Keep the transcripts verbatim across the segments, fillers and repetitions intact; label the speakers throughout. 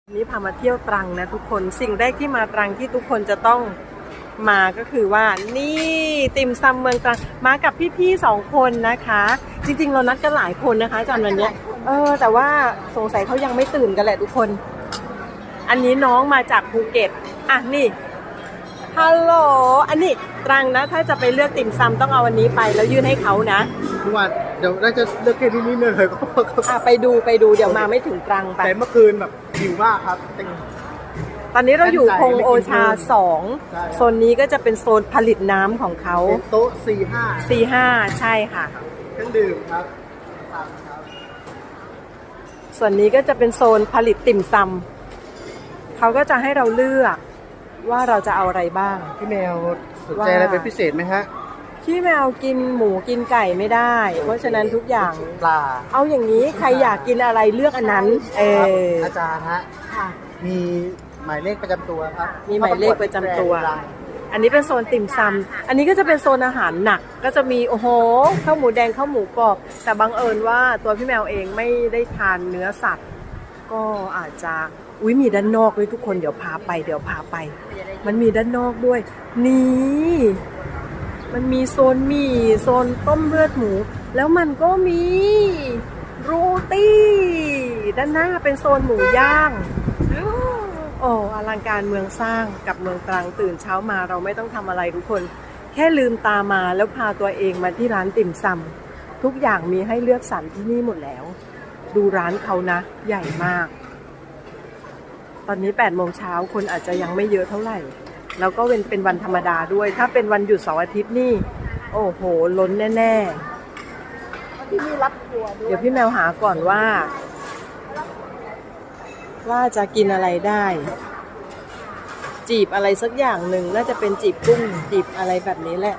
Speaker 1: นี้พามาเที่ยวตรังนะทุกคนสิ่งแรกที่มาตรังที่ทุกคนจะต้องมาก็คือว่านี่ติ่มซำเมืองตรังมากับพี่ๆสองคนนะคะจริงๆเรานัดกันหลายคนนะคะอาจารย์วันนี้เออแต่ว่าสงสัยเขายังไม่ตื่นกันแหละทุกคนอันนี้น้องมาจากภูเก็ตอ่ะนี่ฮัลโหลอันนี้ตรังนะถ้าจะไปเลือกติ่มซำต้องเอาอันนี้ไปแล้วยื่นให้เขานะ
Speaker 2: ทุกวันเดี๋ยวน่าจะเลือกแค่ที่นี่เลยก็
Speaker 1: อ่ะไปดูไปดูเดี๋ยวมาไม่ถึงตรังไป
Speaker 2: แต่เมื่อคืนแบบหิวมากครับ
Speaker 1: ตอนนี้เราอยู่พงโอชาสองโซนนี้ก็จะเป็นโซนผลิตน้ำของเขา
Speaker 2: โต๊ะสี่ห้า
Speaker 1: สี่ห้าใช่ค่ะ
Speaker 2: เครื่องดื่มครับ
Speaker 1: ส่วนนี้ก็จะเป็นโซนผลิตติ่มซำเขาก็จะให้เราเลือกว่าเราจะเอาอะไรบ้าง
Speaker 2: พี่แมวสนใจอะไรเป็นพิเศษไหมฮะ
Speaker 1: พี่แมวกินหมูกินไก่ไม่ได้เพราะฉะนั้นทุกอย่าง
Speaker 2: ปลา
Speaker 1: เอาอย่างนี้ใครอยากกินอะไรเลือกอันนั้นเออ
Speaker 2: อาจารย์ฮะมีหมายเลขประจำตัวครับ
Speaker 1: มีหมายเลขประจำตัวอันนี้เป็นโซนติ่มซำอันนี้ก็จะเป็นโซนอาหารหนักก็จะมีโอ้โหข้าวหมูแดงข้าวหมูกรอบแต่บังเอิญว่าตัวพี่แมวเองไม่ได้ทานเนื้อสัตว์ก็อาจจะอุ้ยมีด้านนอกด้วยทุกคนเดี๋ยวพาไปเดี๋ยวพาไปมันมีด้านนอกด้วยนี่มันมีโซนหมี่โซนต้มเลือดหมูแล้วมันก็มีโรตีด้านหน้าเป็นโซนหมูย่างโอ้อลังการเมืองสร้างกับเมืองตรังตื่นเช้ามาเราไม่ต้องทำอะไรทุกคนแค่ลืมตามาแล้วพาตัวเองมาที่ร้านติ่มซำทุกอย่างมีให้เลือกสรรที่นี่หมดแล้วดูร้านเขานะใหญ่มากตอนนี้แปดโมงเช้าคนอาจจะยังไม่เยอะเท่าไหร่แล้วก็เป็นเป็นวันธรรมดาด้วยถ้าเป็นวันหยุดเสาร์อาทิตย์นี่โอ้โหล้นแน่ๆที่นี่รับทัวร์ด้วยเดี๋ยวพี่แมวหาก่อนว่าว่าจะกินอะไรได้จีบอะไรสักอย่างหนึ่งน่าจะเป็นจีบกุ้งจีบอะไรแบบนี้แหละ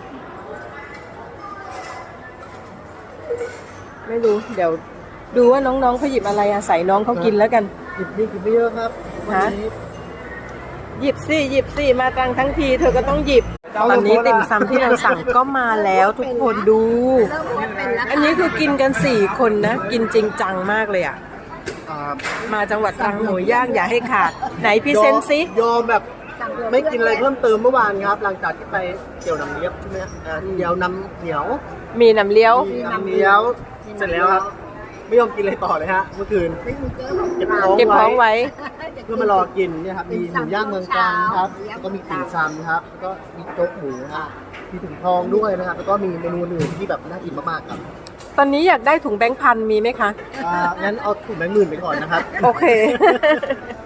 Speaker 1: ไม่รู้เดี๋ยวดูว่าน้องๆเขาหยิบอะไรอาศัยน้องเขากินแล้วกัน
Speaker 2: หยิบนี่กินไม่เยอะครับ
Speaker 1: ฮะหยิบสิหยิบสิมาตรังทั้งทีเธอก็ต้องหยิบตอนนี้ติ่มซำที่เราสั่งก็มาแล้วทุกคนดูอันนี้คือกินกันสี่คนนะกินจริงจังมากเลยอ่ะมาจังหวัดตรังหมูย่างอย่าให้ขาดไหนพี่เซนซิ
Speaker 2: ยอมแบบไม่กินอะไรเพิ่มเติมเมื่อวานครับหลังจากที่ไปเกี่ยวน้ำเลี้ยบใช่ไหมเดี๋ยวน้ำเหนียว
Speaker 1: มีน้ำเลี้ยว
Speaker 2: มีน้ำเลี้ยวเสร็จแล้วครับไม่ยอมกินอะไรต่อเลยฮะเมื่อคืน
Speaker 1: เก็บท้องไว้
Speaker 2: เพื่อมารอกินเนี่ยครับมีหมูย่างเมืองตรังครับแล้วก็มีติ่มซำครับแล้วก็มีโจ๊กหมูมีถุงทองด้วยนะครับแล้วก็มีเมนูอื่นที่แบบน่ากินมากๆครับ
Speaker 1: ตอนนี้อยากได้ถุงแบงค์พันมีไหมคะ
Speaker 2: อ่างั้นเอาถุงแบงค์หมื่นไปก่อนนะครับ
Speaker 1: โอเค